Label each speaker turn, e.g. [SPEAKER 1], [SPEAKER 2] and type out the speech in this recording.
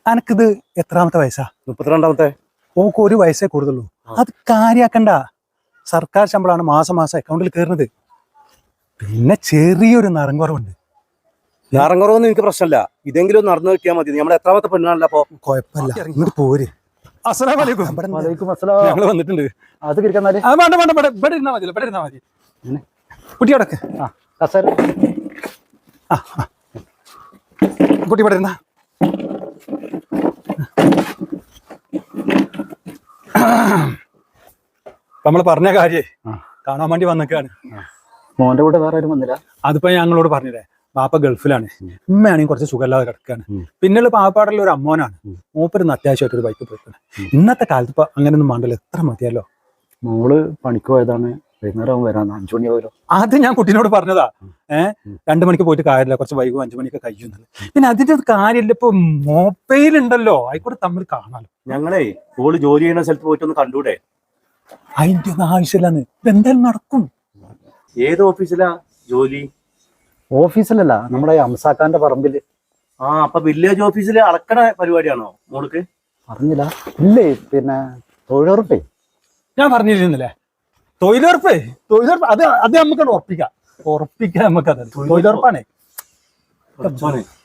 [SPEAKER 1] അനക്കിത് എത്രാമത്തെ വയസ്സാ?
[SPEAKER 2] 32ാമത്തെ.
[SPEAKER 1] ഓക്ക് ഒരു വയസ്സേ കൂടുതലുള്ളൂ. അത് കാര്യാക്കണ്ട. സർക്കാർ ശമ്പളമാണ് മാസം മാസം അക്കൗണ്ടിൽ കയറുന്നത്. പിന്നെ ചെറിയൊരു നറങ്കുറവുണ്ട്.
[SPEAKER 2] ഞാറങ്ങുറവൊന്നും എനിക്ക് പ്രശ്നമില്ല. ഇതെങ്കിലും നടന്നു കിട്ടിയാൽ മതി. നമ്മുടെ എത്രാമത്തെ പെണ്ണാണല്ലോ അപ്പൊ?
[SPEAKER 1] കുഴപ്പമില്ല, ഇങ്ങോട്ട് പോര്.
[SPEAKER 2] ഞങ്ങള് വന്നിട്ടുണ്ട്.
[SPEAKER 1] അത് കിടക്കാന്നാല് ഇവിടെ ഇരുന്നാ മതി, ഇവിടെ ഇരുന്നാ മതി. കുട്ടി അടക്ക്. കുട്ടി ഇവിടെ ഇരുന്നാ. നമ്മള് പറഞ്ഞ കാര്യേ കാണാൻ വേണ്ടി വന്നേക്കാണ്.
[SPEAKER 3] മോന്റെ കൂടെ വേറെ ആരും വന്നില്ല?
[SPEAKER 1] അതിപ്പോ ഞങ്ങളോട് പറഞ്ഞില്ലേ, ബാപ്പ ഗൾഫിലാണ്, ഉമ്മയാണെങ്കിൽ കുറച്ച് സുഖമില്ലാതെ കിടക്കുകയാണ്. പിന്നെയുള്ള പാവപ്പാടുള്ള ഒരു അമ്മോനാണ്. മൂപ്പരുന്ന് അത്യാവശ്യമായിട്ടൊരു ബൈക്ക് പോയിട്ടുണ്ട്. ഇന്നത്തെ കാലത്ത് ഇപ്പൊ അങ്ങനെയൊന്നും വേണ്ടല്ലോ, എത്ര മതിയല്ലോ.
[SPEAKER 3] മോള് പണിക്ക് പോയതാണ്, വൈകുന്നേരം വരാൻ 5 മണി ആവുമല്ലോ.
[SPEAKER 1] അത് ഞാൻ കുട്ടീനോട് പറഞ്ഞതാ. 2 മണിക്ക് പോയിട്ട് കാര്യമില്ല, കുറച്ച് വൈകും 5 മണിക്ക് കഴിയുന്നത്. പിന്നെ അതിന്റെ കാര്യമില്ല, ഇപ്പൊ മൊബൈൽ ഉണ്ടല്ലോ, ആയിക്കോട്ടെ തമ്മിൽ കാണാലോ.
[SPEAKER 2] ഞങ്ങളെ ഓള് ജോലി ചെയ്യുന്ന സ്ഥലത്ത് പോയിട്ടൊന്ന് കണ്ടൂടെ?
[SPEAKER 1] അതിന്റെ ഒന്നും ആവശ്യമില്ലെന്ന്. ഇതെന്തായാലും നടക്കും.
[SPEAKER 2] ഏത് ഓഫീസിലാ ജോലി?
[SPEAKER 3] ഓഫീസിലല്ല, നമ്മുടെ അംസാക്കാന്റെ പറമ്പില്.
[SPEAKER 2] അപ്പൊ വില്ലേജ് ഓഫീസില് അളക്കണ പരിപാടിയാണോ മോൾക്ക്?
[SPEAKER 3] പറഞ്ഞില്ല? ഇല്ലേ, പിന്നെ തൊഴിലുറപ്പേ.
[SPEAKER 1] ഞാൻ പറഞ്ഞിരുന്നില്ലേ, തൊഴിലുറപ്പ് അത് നമുക്ക് ഉറപ്പിക്കാം. നമുക്കത് തൊഴിലുറപ്പാണേ.